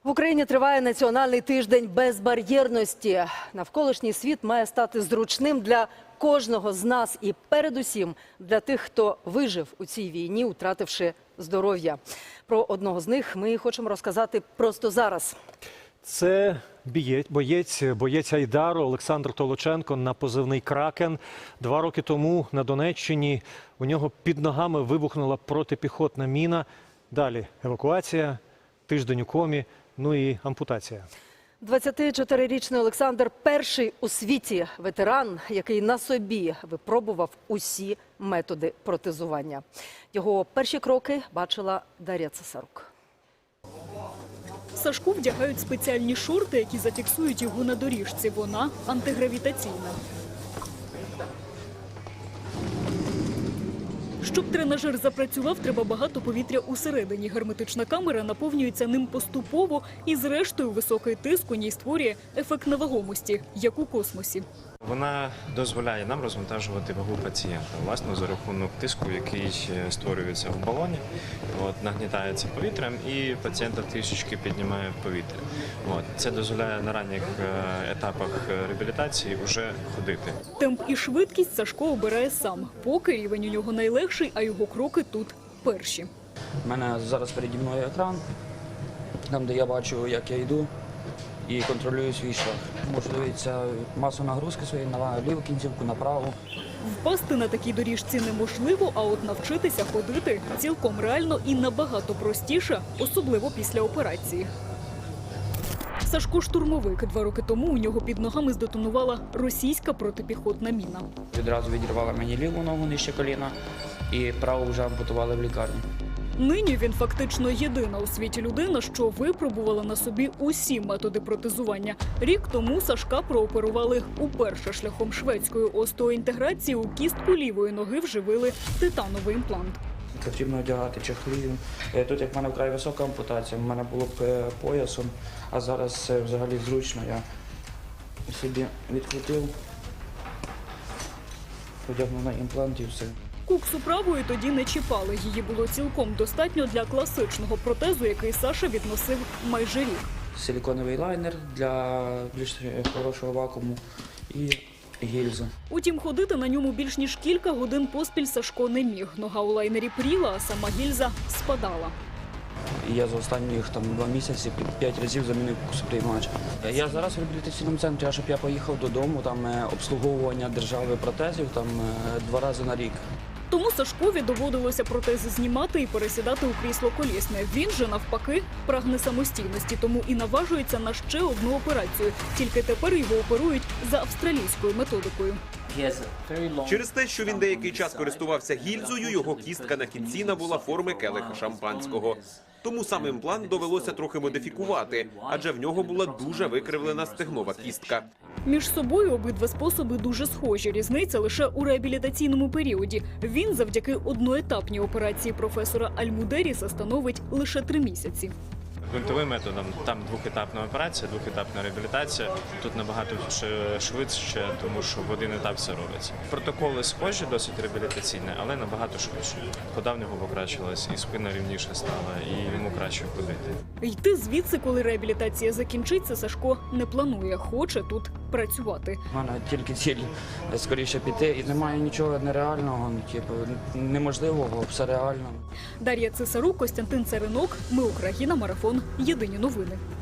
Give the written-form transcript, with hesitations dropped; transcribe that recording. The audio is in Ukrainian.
В Україні триває національний тиждень безбар'єрності. Навколишній світ має стати зручним для кожного з нас і передусім для тих, хто вижив у цій війні, втративши здоров'я. Про одного з них ми хочемо розказати просто зараз. Це боєць Айдару Олександр Толоченко на позивний «Кракен». 2 роки тому на Донеччині у нього під ногами вибухнула протипіхотна міна. Далі евакуація, тиждень у комі, ну і ампутація. 24-річний Олександр – перший у світі ветеран, який на собі випробував усі методи протезування. Його перші кроки бачила Дар'я Цесарук. Сашку вдягають спеціальні шорти, які зафіксують його на доріжці. Вона антигравітаційна. Щоб тренажер запрацював, треба багато повітря усередині. Герметична камера наповнюється ним поступово і зрештою високий тиск у ній створює ефект невагомості, як у космосі. Вона дозволяє нам розвантажувати вагу пацієнта, власне, за рахунок тиску, який створюється в балоні, нагнітається повітрям і пацієнта трішечки піднімає в повітря. Це дозволяє на ранніх етапах реабілітації вже ходити. Темп і швидкість Сашко обирає сам. Поки рівень у нього найлегший, а його кроки тут перші. У мене зараз переді мною екран, там де я бачу, як я йду і контролюю свій шлях. Можу дивитися масу нагрузки своєї на ліву кінцівку, на праву. Впасти на такій доріжці неможливо, а от навчитися ходити цілком реально і набагато простіше, особливо після операції. Сашко – штурмовик. 2 роки тому у нього під ногами здетонувала російська протипіхотна міна. Відразу відірвали мені ліву ногу нижче коліна і праву вже ампутували в лікарні. Нині він фактично єдина у світі людина, що випробувала на собі усі методи протезування. Рік тому Сашка прооперували уперше шляхом шведської остеоінтеграції. У кістку лівої ноги вживили титановий імплант. Потрібно одягати чехли. Тут, як в мене вкрай висока ампутація, в мене було б поясом, а зараз це взагалі зручно. Я собі відкрутив, одягнув на імплант і все. Куксу правої тоді не чіпали. Її було цілком достатньо для класичного протезу, який Саша відносив майже рік. Силіконовий лайнер для більш хорошого вакууму і гільза. Утім, ходити на ньому більш ніж кілька годин поспіль Сашко не міг. Нога у лайнері пріла, а сама гільза спадала. І я за останніх 2 місяці 5 разів замінив куксоприймач. Я зараз в реабілітаційному центрі, а щоб я поїхав додому, там обслуговування держави протезів 2 рази на рік. Тому Сашкові доводилося протези знімати і пересідати у крісло колісне. Він же, навпаки, прагне самостійності, тому і наважується на ще одну операцію. Тільки тепер його оперують за австралійською методикою. Через те, що він деякий час користувався гільзою, його кістка на кінці набула форми келиха шампанського. Тому сам імплант довелося трохи модифікувати, адже в нього була дуже викривлена стегнова кістка. Між собою обидва способи дуже схожі. Різниця лише у реабілітаційному періоді. Він завдяки одноетапній операції професора Альмудеріса становить лише 3 місяці. Гвинтовим методом там 2-етапна операція, 2-етапна реабілітація. Тут набагато швидше, тому що в один етап все робиться. Протоколи схожі, досить реабілітаційні, але набагато швидше. Хода в нього покращилась, і спина рівніше стала, і йому краще ходити. Йти звідси, коли реабілітація закінчиться, Сашко не планує, хоче тут працювати. У мене тільки ціль скоріше піти, і немає нічого нереального, неможливого, все реально. Дар'я Цесарук, Костянтин Царинок. Ми Україна. Марафон. Єдині новини.